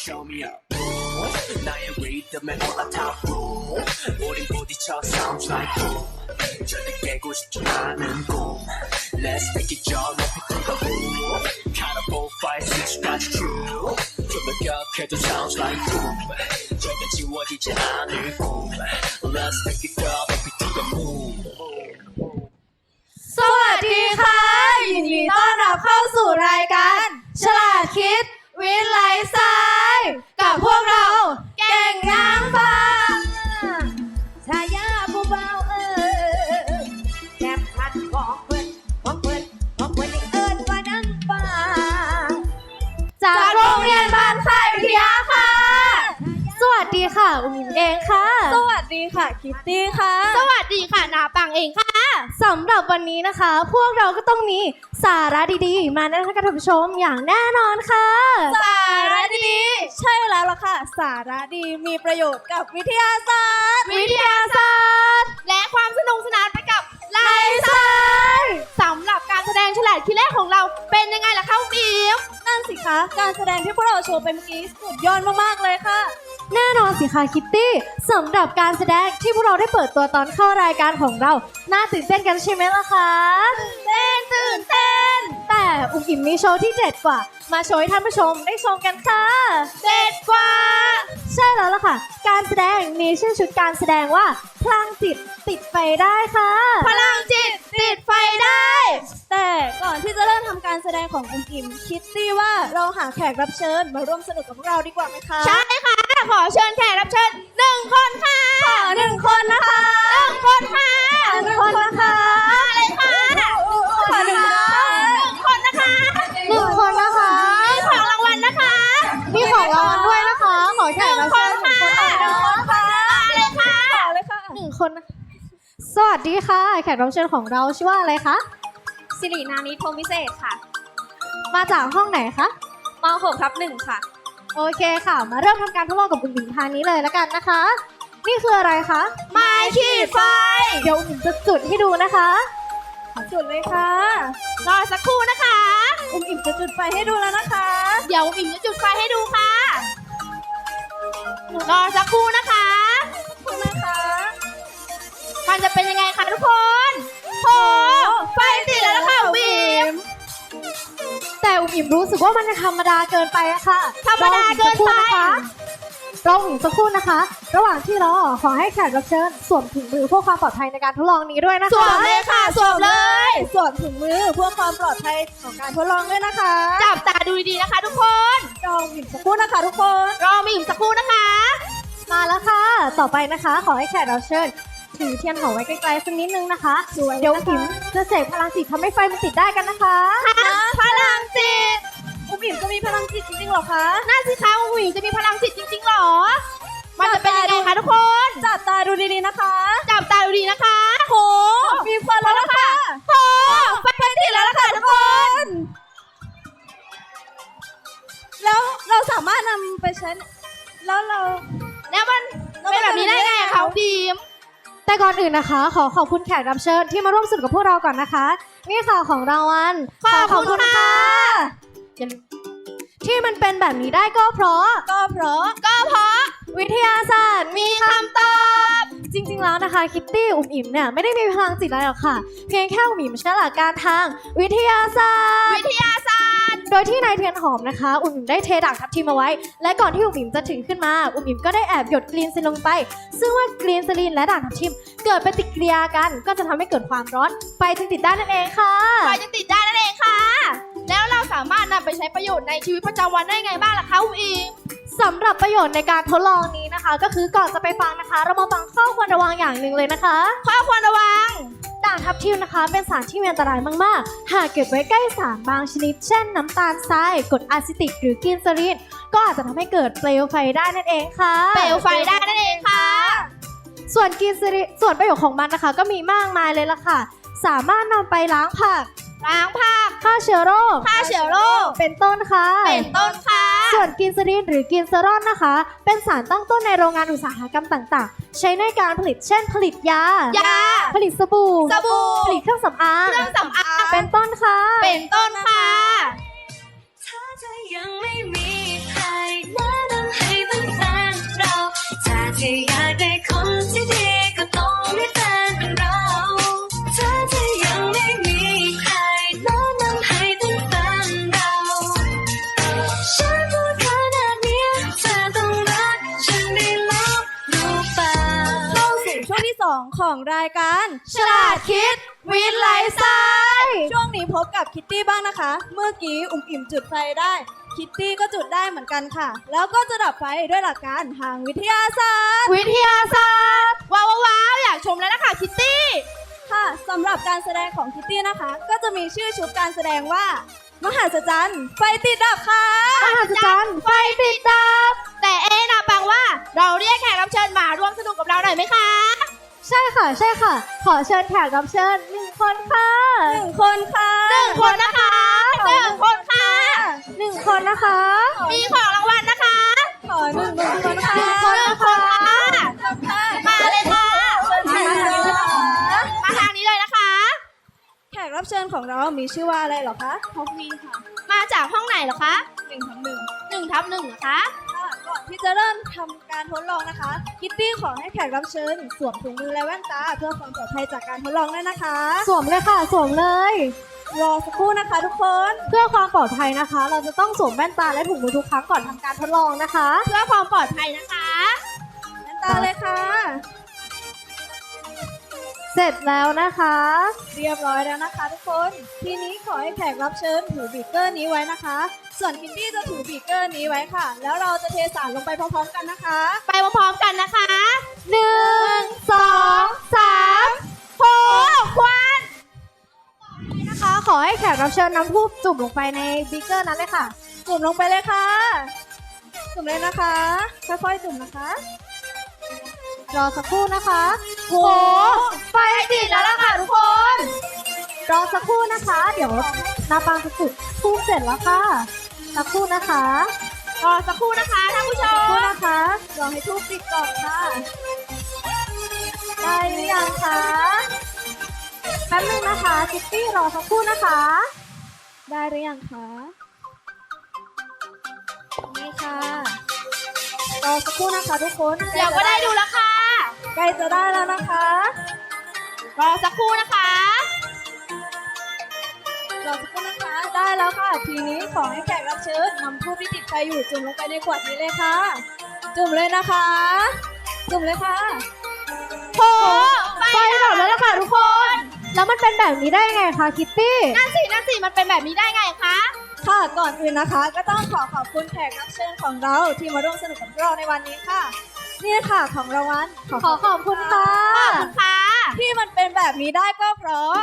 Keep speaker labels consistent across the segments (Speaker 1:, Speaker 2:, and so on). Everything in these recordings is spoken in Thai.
Speaker 1: show me up 나의 리듬에 올라타고 우린 부딪혀 sounds like boom 절대 깨고 싶지 않은 꿈 Let's make it jump 높이 뜬다 boom Count up 4, 5, 6까지 true 좀더 격해도 sounds like boom 절대 지워지지 않을 꿈 Let's make it up 높이 뜬다 boom
Speaker 2: สวัสดีค่ะยินดีต้อนรับเข้าสู่รายการฉลาดคิดวิทย์ไลฟ์สไตล์กับพวกเราเก่งนางฟ้าชายาผู้เบาแคบคัดของเพิ่นยังเอิ้นว่านางฟ้าจากโรงเรียนบ้านค่ายวิทยาค่ะสวัสดีค่ะอุ้มเองค่ะสวัสดีค่ะคิตตี้ค่ะสวัสดีค่ะนาปังเองค่ะสำหรับวันนี้นะคะพวกเราก็ต้องมีสาระดีๆมาแนะนำท่านผู้ชมอย่างแน่นอนค่ะสาระดีใช่แล้วล่ะค่ะสาระดีมีประโยชน์กับวิทยาศาสตร์และความสนุกสนานไปกับไลฟ์สไตล์สำหรับการแสดงฉลาดคิดเลขของเราเป็นยังไงล่ะคะบีมนั่นสิคะการแสดงที่พวกเราโชว์ไปเมื่อกี้สุดยอดมากๆเลยค่ะแน่นอนสิคะคิตตี้สำหรับการแสดงที่พวกเราได้เปิดตัวตอนเข้ารายการของเราน่าตื่นเต้นกันใช่ไหมล่ะคะตื่นเต้นแต่อุ้มอิ่มมีโชว์ที่เด็ดกว่ามาโชว์ให้ท่านผู้ชมได้ชมกันค่ะเด็ดกว่าใช่แล้วล่ะค่ะการแสดงมีชื่อชุดการแสดงว่าพลังจิตติดไฟได้ค่ะพลังจิตติดไฟได้แต่ก่อนที่จะเริ่มทำการแสดงของอุ้มอิ่มคิตตี้ว่าเราหาแขกรับเชิญมาร่วมสนุกกับพวกเราดีกว่าไหมคะใช่ค่ะขอเชิญแขกรับเชิญ1 คนค่ะ1 คนนะคะ1 คนค่ะ1 คนนะคะเลยค่ะขอ1 คนนะคะ1 คนนะคะมีของรางวัลนะคะมีของรางวัลด้วยนะคะขอแขกรับเชิญ1 คนค่ะเลยค่ะ1 คนนะคะสวัสดีค่ะแขกรับเชิญของเราชื่อว่าอะไรคะสิรินานิพรหมวิเศษค่ะมาจากห้องไหนคะม.6/1 ค่ะโอเคค่ะมาเริ่มทำการทดลองกับอุ้มอิ่มทางนี้เลยแล้วกันนะคะนี่คืออะไรคะไม้ขีดไฟเดี๋ยวอุ้มอิ่มจะจุดให้ดูนะคะจุดเลยค่ะรอสักครู่นะคะอุ้มอิ่มจะจุดไฟให้ดูแล้วนะคะเดี๋ยวอุ้มอิ่มจะจุดไฟให้ดูค่ะรอสักครู่นะคะมันจะเป็นยังไงคะทุกคนโหไฟติดแล้วนะคะอุ้มอิ่มแต่อุ้มอิ่มรู้สึกว่ามันจะธรรมดาเกินไปอะค่ะธรรมดาเกินไปรออีกสักครู่นะคะระหว่างที่รอขอให้แขกรับเชิญสวมถุงมือเพื่อความปลอดภัยในการทดลองนี้ด้วยนะคะสวมเลยค่ะสวมเลยสวมถุงมือเพื่อความปลอดภัยของการทดลองด้วยนะคะจับตาดูดีๆนะคะทุกคนรออีกสักครู่นะคะทุกคนรออีกสักครู่นะคะมาแล้วค่ะต่อไปนะคะขอให้แขกรับเชิญถือเทียนหอมไว้ไกลๆสักนิดนึงนะคะเดี๋ยวผิมจะเสกพลังจิตทำให้ไฟมันติดได้กันนะคะพลังจิตอุ้มอิ่มจะมีพลังจิตจริงๆหรอคะน่าสิคะอุ้มอิ่มจะมีพลังจิตจริงๆหรอมันจะเป็นยังไงคะทุกคนจับตาดูดีๆนะคะจับตาดูดีนะคะโหมีควันแล้วค่ะโหไฟติดแล้วค่ะทุกคนแล้วเราสามารถนำไปใช้แล้วมันเป็นแบบนี้ได้ไงคะบีมแต่ก่อนอื่นนะคะขอบคุณแขกรับเชิญที่มาร่วมสนุกกับพวกเราก่อนนะคะนี่ค่ะของรางวัลขอบคุณค่ะที่มันเป็นแบบนี้ได้ก็เพราะวิทยาศาสตร์มีคำตอบจริงๆแล้วนะคะคิตตี้อุ้มอิ่มเนี่ยไม่ได้มีพลังจิตอะไรหรอกค่ะเพียงแค่อุ้มอิ่มใช้หลักการทางวิทยาศาสตร์โดยที่นายเทียนหอมนะคะอุ้มอิ่มได้เทด่างทับทิมเอาไว้และก่อนที่อุ้มอิ่มจะถึงขึ้นมาอุ้มอิ่มก็ได้แอบหยดกรีนซินลงไปซึ่งว่ากรีนซิลินและด่างทับทิมเกิดปฏิกิริยากันก็จะทำให้เกิดความร้อนไฟจึงติดได้นั่นเองค่ะแล้วเราสามารถนำไปใช้ประโยชน์ในชีวิตประจำวันได้ไงบ้างล่ะคะอุ้มอิ่มสำหรับประโยชน์ในการทดลองนี้นะคะก็คือก่อนจะไปฟังนะคะเรามาฟังข้อควรระวังอย่างหนึ่งเลยนะคะข้อควรระวังด่างทับทิมนะคะเป็นสารที่มีอันตรายมากๆหากเก็บไว้ใกล้สารบางชนิดเช่นน้ำตาลทรายกรดอะซิติกหรือกลีเซอรีนก็อาจจะทำให้เกิดเปลวไฟได้นั่นเองค่ะส่วนกลีเซอรีนส่วนประโยชน์ของมันนะคะก็มีมากมายเลยล่ะค่ะสามารถนำไปล้างผักฆ่าเชื้อโรคเป็นต้นค่ะส่วนกลีเซอรีนหรือกลีเซอรอลนะคะเป็นสารตั้งต้นในโรงงานอุตสาหกรรมต่างๆใช้ในการผลิตเช่นผลิตยาผลิตสบู่ผลิตเครื่องสำอางเป็นต้นค่ะถ้าเธอยังไม่มีใครแนะนำ 2ของรายการฉลาดคิดวิทย์ไลฟ์สไตล์ช่วงนี้พบกับคิตตี้บ้างนะคะ เมื่อกี้อุ่มอิ่มจุดไฟได้คิตตี้ก็จุดได้เหมือนกันค่ะ แล้วก็จะดับไฟด้วยหลักการทางวิทยาศาสตร์ว้าวอยากชมแล้วนะคะคิตตี้ค่ะสำหรับการแสดงของคิตตี้นะคะ ก็จะมีชื่อชุดการแสดงว่ามหัศจรรย์ไฟติดดับค่ะมหัศจรรย์ไฟติดดับแต่นะปังว่าเราเรียกแขกรับเชิญมาร่วมสนุกกับเราหน่อยไหมคะใช่ค่ะขอเชิญแขกรับเชิญ1 คนค่ะ1 คนค่ะ1 คนนะคะ1 คนค่ะ1 คนนะคะมีของรางวัลนะคะขอ1 คนค่ะ1 คนนะคะมาเลยค่ะมาทางนี้เลยนะคะแขกรับเชิญของเรามีชื่อว่าอะไรเหรอคะท็อปมีค่ะมาจากห้องไหนเหรอคะ1/1นะคะก่อนที่จะเริ่มทำการทดลองนะคะคิตตี้ขอให้แขกรับเชิญสวมถุงมือและแว่นตาเพื่อความปลอดภัยจากการทดลองด้วยนะคะสวมเลยค่ะสวมเลยรอสักครู่นะคะทุกคนเพื่อความปลอดภัยนะคะ เราจะต้องสวมแว่นตาและถุงมือทุกครั้งก่อนทำการทดลองนะคะเพื่อความปลอดภัยนะคะแว่นตาเลยค่ะเสร็จแล้วนะคะเรียบร้อยแล้วนะคะทุกคนทีนี้ขอให้แขกรับเชิญถือบีเกอร์นี้ไว้นะคะส่วนคิตตี้จะถือบีเกอร์นี้ไว้ค่ะแล้วเราจะเทสารลงไปพร้อมๆกันนะคะไปพร้อมๆกันนะคะ1 2 3โหควันนะคะขอให้แขกรับเชิญน้ำทูบจุ่มลงไปในบีเกอร์นั้นเลยค่ะจุ่มลงไปเลยค่ะจุ่มเลยนะคะค่อยๆจุ่มนะคะรอสักครู่นะคะโหไฟติดแล้วล่ะค่ะทุกคนรอสักครู่นะคะเดี๋ยวนาปังจะจุดทูบเสร็จแล้วค่ะสักครู่นะคะรอสักครู่นะคะท่านผู้ชมสักครู่นะคะรอให้ทูบติดก่อนค่ะได้หรือยังคะแป๊บนึงนะคะคิตตี้รอสักครู่นะคะได้หรือยังคะนี่ค่ะรอสักครู่นะคะทุกคนเดี๋ยวก็ได้ดูแล้วค่ะใกล้จะได้แล้วนะคะรอสักครู่นะคะรอสักครู่นะคะได้แล้วค่ะทีนี้ขอให้แขกรับเชิญนำทูบที่ติดไฟอยู่จุ่มลงไปในขวดนี้เลยค่ะจุ่มเลยนะคะจุ่มเลยค่ะโหไฟดับแล้วล่ะค่ะทุกคนแล้วมันเป็นแบบนี้ได้ไงคะคิตตี้นั่นสิมันเป็นแบบนี้ได้ไงคะค่ะก่อนอื่นนะคะก็ต้องขอบคุณแขกรับเชิญของเราที่มาร่วมสนุกกับเราในวันนี้ค่ะนี่ค่ะของรางวัลขอขอบคุณค่ะที่มันเป็นแบบนี้ได้ก็เพราะ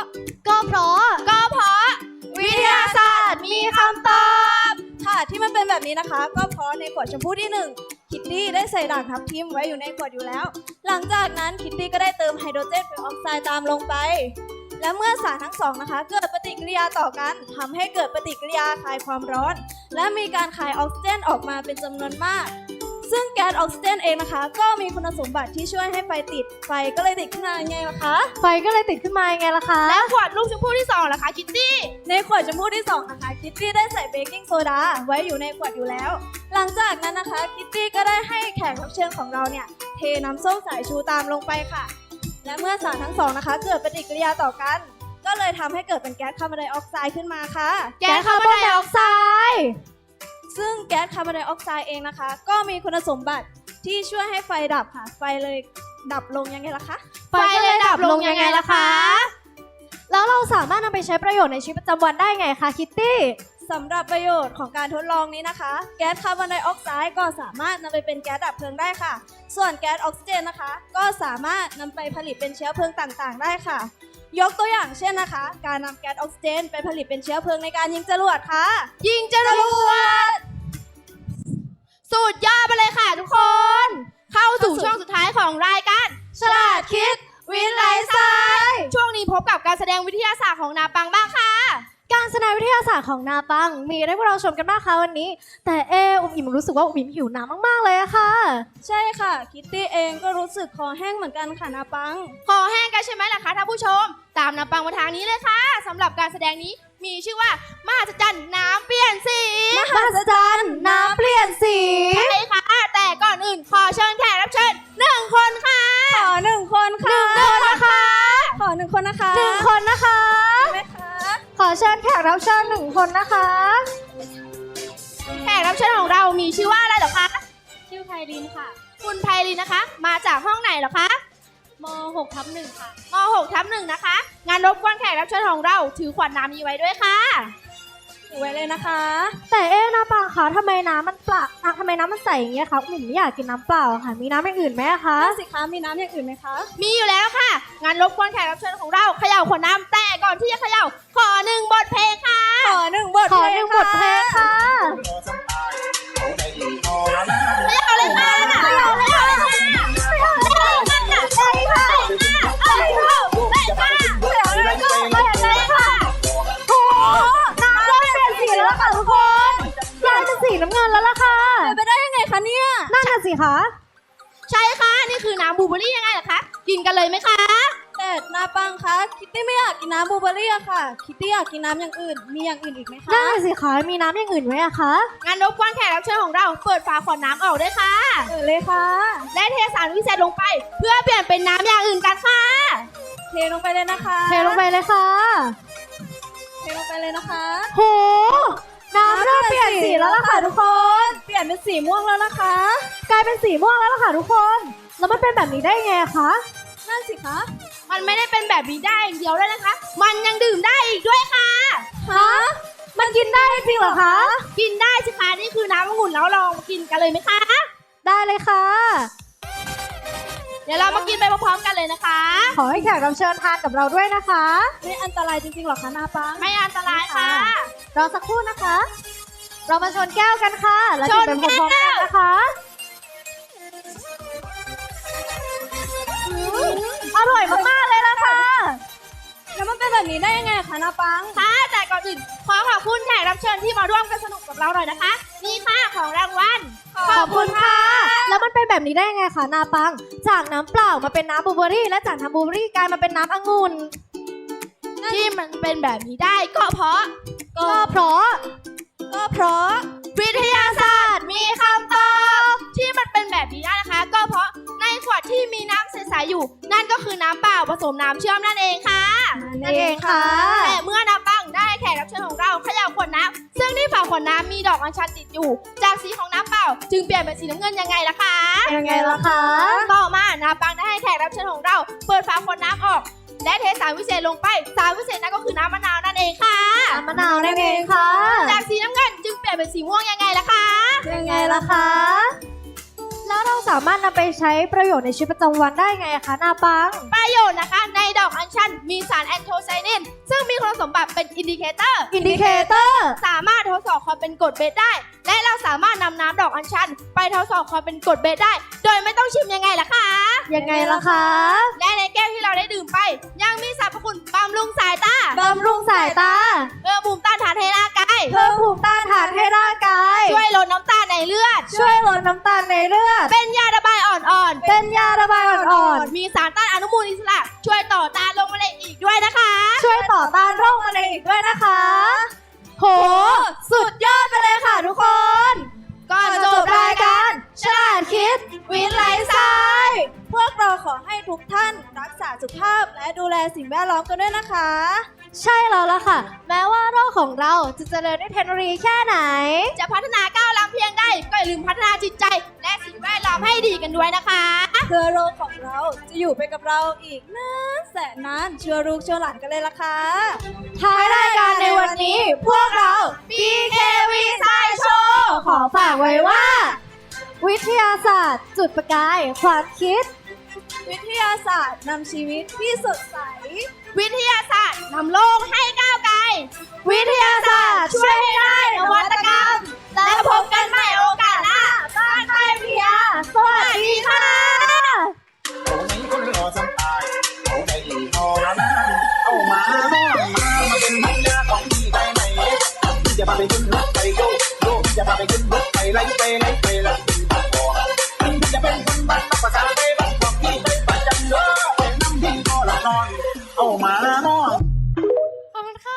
Speaker 2: วิทยาศาสตร์มีคำตอบค่ะที่มันเป็นแบบนี้นะคะก็เพราะในขวดชมพูที่1คิตตี้ได้ใส่ด่างทับทิมไว้อยู่ในขวดอยู่แล้วหลังจากนั้นคิตตี้ก็ได้เติมไฮโดรเจนเปอร์ออกไซด์ตามลงไปและเมื่อสารทั้ง2นะคะเกิดปฏิกิริยาต่อกันทำให้เกิดปฏิกิริยาคายความร้อนและมีการคายออกซิเจนออกมาเป็นจำนวนมากซึ่งแก๊สออกซิเจนเองนะคะก็มีคุณสมบัติที่ช่วยให้ไฟติดไฟก็เลยติดขึ้นมาไงล่ะคะไฟก็เลยติดขึ้นมาไงล่ะคะแล้วขวดลูกชมพู่ที่2ล่ะคะคิตตี้ในขวดชมพู่ที่2นะคะคิตตี้ได้ใส่เบกกิ้งโซดาไว้อยู่ในขวดอยู่แล้วหลังจากนั้นนะคะคิตตี้ก็ได้ให้แขกรับเชิญของเราเนี่ยเทน้ำส้มสายชูตามลงไปค่ะและเมื่อสารทั้ง2นะคะเกิดปฏิกิริยาต่อกันก็เลยทำให้เกิดเป็นแก๊สคาร์บอนไดออกไซด์ขึ้นมาค่ะแก๊สคาร์บอนไดออกไซด์ซึ่งแก๊สคาร์บอนไดออกไซด์เองนะคะก็มีคุณสมบัติที่ช่วยให้ไฟดับค่ะไฟเลยดับลงยังไงล่ะคะไฟเลยดับลงยังไงล่ะคะแล้วเราสามารถนำไปใช้ประโยชน์ในชีวิตประจำวันได้ไงคะคิตตี้สำหรับประโยชน์ของการทดลองนี้นะคะแก๊สคาร์บอนไดออกไซด์ก็สามารถนำไปเป็นแก๊สดับเพลิงได้ค่ะส่วนแก๊สออกซิเจนนะคะก็สามารถนำไปผลิตเป็นเชื้อเพลิงต่างๆได้ค่ะยกตัวอย่างเช่นนะคะการนำแก๊สออกซิเจนไปผลิตเป็นเชื้อเพลิงในการยิงจรวดค่ะยิงจรวดสุดยอดไปเลยค่ะทุกคนเข้าสู่ช่วงสุดท้ายของรายการฉลาดคิดวิทย์ไลฟ์สไตล์ช่วงนี้พบกับการแสดงวิทยาศาสตร์ของนาปังบ้างค่ะการแสดงวิทยาศาสตร์ของนาปังมีให้พวกเราชมกันบ้างคะวันนี้แต่อุ้มอิ่มรู้สึกว่าอุ้มอิ่มหิวน้ำมากๆเลยอะค่ะใช่ค่ะคิตตี้เองก็รู้สึกคอแห้งเหมือนกันค่ะนาปังคอแห้งกันใช่ไหมล่ะคะท่านผู้ชมตามนาปังมาทางนี้เลยค่ะสำหรับการแสดงนี้มีชื่อว่ามหัศจรรย์น้ำเปลี่ยนสีมหัศจรรย์น้ำเปลี่ยนสีใช่ค่ะแต่ก่อนอื่นขอเชิญแขกรับเชิญ1 คนค่ะขอ1 คนค่ะ1 คนนะคะขอ1 คนนะคะ1 คนนะคะขอเชิญแขกรับเชิญ1 คนนะคะแขกรับเชิญของเรามีชื่อว่าอะไรเหรอคะชื่อไพลินค่ะคุณไพลินนะคะมาจากห้องไหนเหรอคะม6/1ค่ะ
Speaker 3: ม6/1นะคะงานรบกวนแขกรับเชิญของเราถือขวดน้ำนี้ไว้ด้วยค่ะถือไว้เลยนะคะ
Speaker 2: แต่นะปังคะทำไมน้ำมันเปล่าทำไมน้ำมันใสอย่างเงี้ยคะหนูไม่อยากกินน้ำเปล่าค่ะมีน้ำอย่างอื่นไหมคะ
Speaker 3: สิคะมีน้ำอย่างอื่นไหมคะมีอยู่แล้วค่ะงานรบกวนแขกรับเชิญของเราเขย่าขวดน้ำแต่ก่อนที่จะเขย่าขอ1 บทเพลงค่ะขอ1 บทเพลงค่ะ
Speaker 2: เขย่าเลยค่ะ
Speaker 3: เขย่าเลยค่ะเขย่าเลยค่ะใช่ค่ะใช่ค่ะเขย่าเลยค่ะเขย่าเลยค่ะ
Speaker 2: โอ้น้ำเริ่มเปลี่ยนสีแล้วค่ะทุกคนกลายเป็นสีน้ำเงินแล้วล่ะค่ะ
Speaker 3: ไปได้ยังไงคะเนี่ย
Speaker 2: นั่นน่ะสิคะ
Speaker 3: ใช่ค่ะนี่คือน้ำบลูเบอร์รี่ยังไงล่ะคะกินกันเลยไหมคะ
Speaker 2: แต่นาปังคะคิตตี้ไม่อยากกินน้ำบลูเบอร์รี่อะค่ะคิตตี้อยากกินน้ำอย่างอื่นมีอย่างอื่นอีกไหมคะนั่นสิคะมีน้ำอย่างอื่นไหมอะคะ
Speaker 3: งั้นรบกวนแขกรับเชิญของเราเปิดฝาขวดน้ำออกด้วยค่ะ
Speaker 2: เลยค่ะ
Speaker 3: และเทสารวิเศษลงไปเพื่อเปลี่ยนเป็นน้ำอย่างอื่นกันค่ะ
Speaker 2: เทลงไปเลยนะคะเทลงไปเลยค่ะ
Speaker 3: เทลงไปเลยนะคะ
Speaker 2: โหน้ำเริ่มเปลี่ยนสีแล้วล่ะค่ะทุกคนเปลี่ยนเป็นสีม่วงแล้วนะคะกลายเป็นสีม่วงแล้วล่ะค่ะทุกคนแล้วมันเป็นแบบนี้ได้ไงคะ
Speaker 3: นั่นสิคะมันไม่ได้เป็นแบบนี้ได้อย่างเดียวด้วยนะคะมันยังดื่มได้อีกด้วยค่ะ
Speaker 2: ฮะมันกินได้จริงเหรอคะ
Speaker 3: กินได้สิคะนี่คือน้ำองุ่นแล้วลองกินกันเลยไหมคะ
Speaker 2: ได้เลยค่ะ
Speaker 3: เดี๋ยวเรามากินไปพร้อมๆกันเลยนะคะ
Speaker 2: ขอให้แขกรับเชิญทานกับเราด้วยนะคะไม่อันตรายจริงๆหรอคะนาปัง
Speaker 3: ไม่อันตรายค่ะ
Speaker 2: รอสักครู่นะคะ เรามาชนแก้วกันค่ะแล้วจิบเป็นพร้อมๆกันนะคะอร่อยมากๆเลยล่ะค่ะ
Speaker 3: แล้วมันเป็นแบบนี้ได้ยังไงคะนาปังค่ะแต่ก่อนอื่นขอขอบคุณแขกรับเชิญที่มาร่วมกันสนุกกับเราหน่อยนะคะนี่ค่ะของรางวัล
Speaker 2: ขอบคุณค่ะแล้วมันเป็นแบบนี้ได้ยังไงคะนาปังจากน้ำเปล่ามาเป็นน้ำบลูเบอร์รี่และจากน้ำบลูเบอร์รี่กลายมาเป็นน้ำองุ่น
Speaker 3: ที่มันเป็นแบบนี้ได้ก็เพราะวิทยาศาสตร์มีคำตอบที่มันเป็นแบบนี้ได้นะคะก็เพราะในขวดที่มีน้ำใสๆอยู่นั่นก็คือน้ำเปล่าผสมน้ำเชื่อมนั่นเองค่ะ
Speaker 2: นั่นเองค่ะ
Speaker 3: แต่เมื่อน้ำปังได้แขกรับเชิญของเราเขย่าขวดน้ำซึ่งที่ฝาขวดน้ำมีดอกอัญชันติดอยู่จากสีของน้ำเปล่าจึงเปลี่ยนเป็นสีน้ำเงินยังไงล่ะคะต่อมาน้ำปังได้ให้แขกรับเชิญของเราเปิดฝาขวดน้ำออกและเทสารวิเศษลงไปสารวิเศษนั่นก็คือน้ำมะนาวนั่นเองค่ะ
Speaker 2: น้ำมะนาวนั่นเองค่ะ
Speaker 3: จากสีน้ำเงินจึงเปลี่ยนเป็นสีม่วงยังไงล่ะคะ
Speaker 2: แล้วเราสามารถนำไปใช้ประโยชน์ในชีวิตประจำวันได้ไงคะนาปัง
Speaker 3: ประโยชน์นะคะในดอกอัญชันมีสารแอนโทไซนินซึ่งมีคุณสมบัติเป็นอินดิเคเตอร์สามารถทดสอบความเป็นกรดเบสได้และเราสามารถนำน้ำดอกอัญชันไปทดสอบความเป็นกรดเบสได้โดยไม่ต้องชิมยังไงล่ะคะและในแก้วที่เราได้ดื่มไปยังมีสรรพคุณบำรุงสายตาเพิ่มภูมิต้านทานให้ร่างกายช่วยลดน้ำตาลในเลือดเป็นยาระบายอ่อนๆมีสารต้านอนุมูลอิสระช่วยต่อต้านโรคมะเร็งอีกด้วยนะคะ
Speaker 2: โหสุดยอดไปเลยค่ะทุกคน
Speaker 3: ก่อนจบรายการฉลาดคิดวิทย์ไลฟ์สไตล์
Speaker 2: พวกเราขอให้ทุกท่านรักษาสุขภาพและดูแลสิ่งแวดล้อมกันด้วยนะคะใช่แล้วล่ะค่ะแม้ว่าโลกของเราจะเจริญด้วยเทคโนโลยีแค่ไหน
Speaker 3: จะพัฒนาก้าวล้ำเพียงใดก็อย่าลืมพัฒนาจิตใจและสิ่งแวดล้อมให้ดีกันด้วยนะคะ
Speaker 2: เพื่อโลกของเราจะอยู่ไปกับเราอีกนานแสนนานเชื่อลูกเชื่อหลานกันเลยล่ะค่ะท้ายรายการในวันนี้พวกเรา
Speaker 3: BKV Science Show
Speaker 2: ขอฝากไว้ว่าวิทยาศาสตร์จุดประกายความคิดวิทยาศาสตร์นำชีวิตที่สดใส
Speaker 3: วิทยาศาสตร์นำโลกให้ก้าวไกล
Speaker 2: วิทยาศาสตร์ช่วยให้ได้นวัตกรรม
Speaker 3: และพบกันใหม่โอกาสหน้าบ้านไทยพิทยา
Speaker 2: สวัสดีค่ะ
Speaker 1: เอามาเป็นพันยาของพี่ได้ไหมจะพาไปขึ้นรถไปโยจะพาไปขึ้นรถไปไล่แล้วจะเป็นคนบ้านภาษาไทยบ้านของพี่ไปประจันเด้อเป็นน้ำพี่ก็ละนอนเอามาเนาะ
Speaker 2: ขอบคุณค่ะ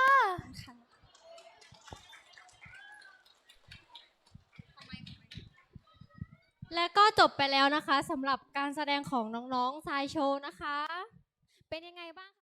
Speaker 2: และก็จบไปแล้วนะคะสำหรับการแสดงของน้องๆทรายโชว์นะคะเป็นยังไงบ้าง